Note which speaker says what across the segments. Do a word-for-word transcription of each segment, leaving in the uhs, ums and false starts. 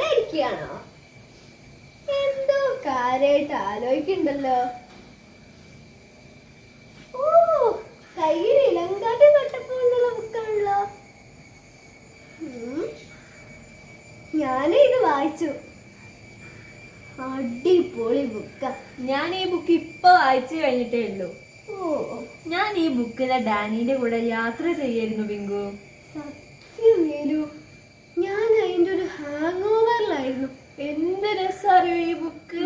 Speaker 1: ഇരിക്കുകയാണോ? എന്തോ കാര്യമായിട്ട് ആലോചിക്കണ്ടല്ലോ. ഓ, കയ്യിൽ ഇലങ്കാട്ട് തൊട്ടപ്പോഴുള്ള ബുക്കാണല്ലോ. ഞാനും ഇത് വായിച്ചു. അടിപൊളി ബുക്ക.
Speaker 2: ഞാൻ ഈ ബുക്ക് ഇപ്പൊ വായിച്ചു കഴിഞ്ഞിട്ടേ ഉള്ളൂ.
Speaker 1: ഓ,
Speaker 2: ഞാൻ ഈ ബുക്കിലെ ഡാനിയുടെ കൂടെ യാത്ര ചെയ്യായിരുന്നു പിങ്കു.
Speaker 1: സത്യം വേലു, ഞാൻ അതിന്റെ ഒരു ഹാങ് ഓവറിലായിരുന്നു.
Speaker 2: എന്ത് രസറിയോ ഈ ബുക്ക്.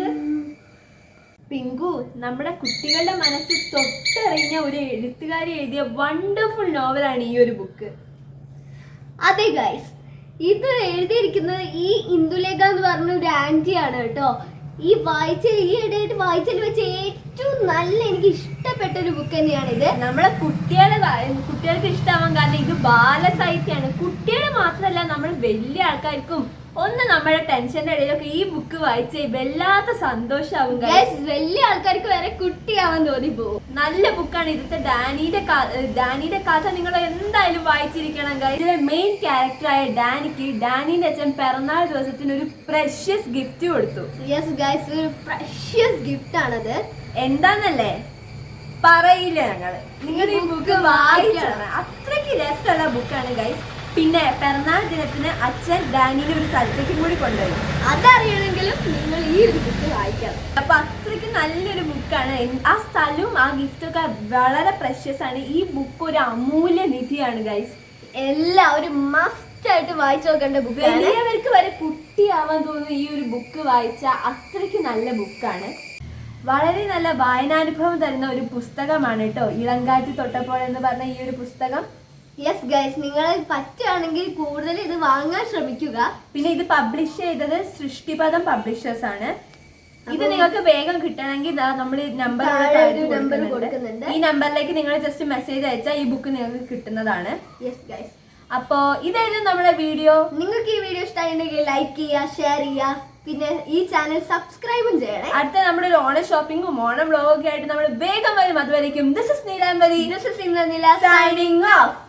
Speaker 2: പിങ്കു, നമ്മുടെ കുട്ടികളുടെ മനസ്സിൽ തൊട്ടറിഞ്ഞ ഒരു എഴുത്തുകാരി എഴുതിയ വണ്ടർഫുൾ നോവലാണ് ഈ ഒരു ബുക്ക്.
Speaker 1: അതെ ഗൈസ്, ഇത് എഴുതിയിരിക്കുന്നത് ഈ ഇന്ദുലേഖ എന്ന് പറഞ്ഞ ഒരു ആന്റിയാണ് കേട്ടോ. ഈ വായിച്ചൽ ഈ ഇടയായിട്ട് വായിച്ചൽ വെച്ച് ഏറ്റവും നല്ല എനിക്ക് ഇഷ്ടപ്പെട്ട ഒരു ബുക്ക് തന്നെയാണ് ഇത്.
Speaker 2: നമ്മളെ കുട്ടികളെ കുട്ടികൾക്ക് ഇഷ്ടമാവാൻ കാരണം ഇത് ബാലസാഹിത്യമാണ്. കുട്ടികളെ മാത്രമല്ല, നമ്മൾ വലിയ ആൾക്കാർക്കും ഒന്ന് നമ്മുടെ ടെൻഷന്റെ ഇടയിലൊക്കെ ഈ ബുക്ക് വായിച്ച് വല്ലാത്ത സന്തോഷമാവും.
Speaker 1: വലിയ ആൾക്കാർക്ക് വരെ കുട്ടിയാവാൻ തോന്നി പോകും.
Speaker 2: നല്ല ബുക്കാണ്. ഇതിന്റെ ഡാനിയുടെ ഡാനിയുടെ കഥ നിങ്ങൾ എന്തായാലും വായിച്ചിരിക്കണം. ഇതിലെ മെയിൻ ക്യാരക്ടറായ ഡാനിക്ക് ഡാനിന്റെ അച്ഛൻ പിറന്നാൾ ദിവസത്തിന് ഒരു പ്രഷ്യസ് ഗിഫ്റ്റ് കൊടുത്തു.
Speaker 1: യെസ് ഗൈസ്, ഒരു പ്രഷ്യസ് ഗിഫ്റ്റ് ആണത്.
Speaker 2: എന്താന്നല്ലേ പറയില്ല ഞങ്ങള്. നിങ്ങൾ ഈ ബുക്ക് വായിക്കണം. അത്രയ്ക്ക് രസമുള്ള ബുക്കാണ് ഗൈസ്. പിന്നെ പിറന്നാൾ ദിനത്തിന് അച്ഛൻ ഡാനിനെ ഒരു സ്ഥലത്തേക്കും കൂടി കൊണ്ടുപോയി.
Speaker 1: അതറിയണമെങ്കിലും നിങ്ങൾ ഈ ഒരു ബുക്ക് വായിക്കണം.
Speaker 2: അപ്പൊ അത്രയ്ക്ക് നല്ലൊരു ബുക്കാണ്. ആ സ്ഥലവും ആ ഗിഫ്റ്റൊക്കെ വളരെ പ്രഷ്യസ് ആണ്. ഈ ബുക്ക് ഒരു അമൂല്യ നിധിയാണ് ഗൈസ്.
Speaker 1: എല്ലാവരും മസ്റ്റ് ആയിട്ട് വായിച്ചു നോക്കേണ്ട ബുക്ക്.
Speaker 2: വലിയവർക്ക് വരെ കുട്ടിയാവാൻ തോന്നുന്ന ഈ ഒരു ബുക്ക് വായിച്ച അത്രയ്ക്ക് നല്ല ബുക്കാണ്. വളരെ നല്ല വായനാനുഭവം തരുന്ന ഒരു പുസ്തകമാണ് കേട്ടോ ഇളങ്കാറ്റ് തൊട്ടപ്പോൾ എന്ന് പറഞ്ഞ ഈ ഒരു പുസ്തകം.
Speaker 1: യെസ് ഗൈസ്, നിങ്ങൾ പറ്റുകയാണെങ്കിൽ കൂടുതൽ ഇത് വാങ്ങാൻ ശ്രമിക്കുക.
Speaker 2: പിന്നെ ഇത് പബ്ലിഷ് ചെയ്തത് സൃഷ്ടിപദം പബ്ലിഷേഴ്സ് ആണ്. ഇത് നിങ്ങൾക്ക് വേഗം കിട്ടണമെങ്കിൽ നമ്മൾ നമ്പർ
Speaker 1: നമ്പർ കൊടുക്കുന്നുണ്ട്.
Speaker 2: ഈ നമ്പറിലേക്ക് നിങ്ങൾ ജസ്റ്റ് മെസ്സേജ് അയച്ചാൽ ഈ ബുക്ക് നിങ്ങൾക്ക് കിട്ടുന്നതാണ്.
Speaker 1: യെസ് ഗൈസ്,
Speaker 2: അപ്പോ ഇതായിരുന്നു നമ്മുടെ വീഡിയോ.
Speaker 1: നിങ്ങൾക്ക് ഈ വീഡിയോ ഇഷ്ടമായിട്ടുണ്ടെങ്കിൽ ലൈക്ക് ചെയ്യുക, ഷെയർ ചെയ്യുക, പിന്നെ ഈ ചാനൽ സബ്സ്ക്രൈബും ചെയ്യണേ.
Speaker 2: അടുത്ത നമ്മുടെ ഒരു ഓണ ഷോപ്പിംഗും ഓണം വ്ലോഗൊക്കെ ആയിട്ട് നമ്മൾ വേഗം വരും. അതുവരേക്കും this is Neelambari,
Speaker 1: this is Indranila
Speaker 2: signing of.